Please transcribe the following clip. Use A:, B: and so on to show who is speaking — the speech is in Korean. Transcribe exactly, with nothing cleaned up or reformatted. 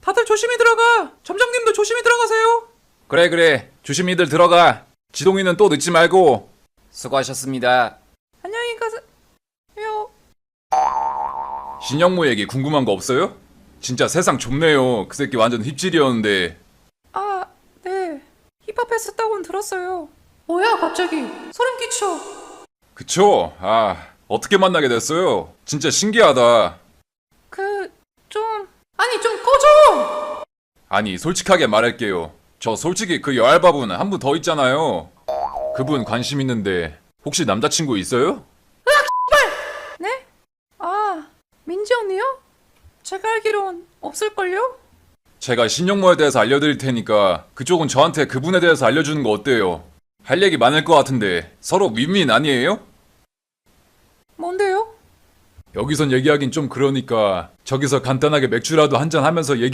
A: 다들 조심히 들어가. 점장님도 조심히 들어가세요. 그래 그래 조심히들 들어가. 지동이는 또 늦지 말고. 수고하셨습니다. 안녕히 가세요. 신영무 얘기 궁금한 거 없어요? 진짜 세상 좁네요. 그 새끼 완전 힙질이었는데. 아, 네. 힙합 했었다고는 들었어요. 뭐야 갑자기 소름 끼쳐. 그쵸? 아, 어떻게 만나게 됐어요? 진짜 신기하다. 그... 좀... 아니 좀 꺼져! 아니 솔직하게 말할게요. 저 솔직히 그 여알바분 한 분 더 있잖아요. 그분 관심 있는데 혹시 남자친구 있어요? 으악 씨발! 네? 아, 민지 언니요? 제가 알기론 없을걸요? 제가 신영모에 대해서 알려드릴 테니까 그쪽은 저한테 그분에 대해서 알려주는 거 어때요? 할 얘기 많을 것 같은데 서로 윈윈 아니에요? 뭔데요? 여기선 얘기하긴 좀 그러니까 저기서 간단하게 맥주라도 한잔 하면서 얘기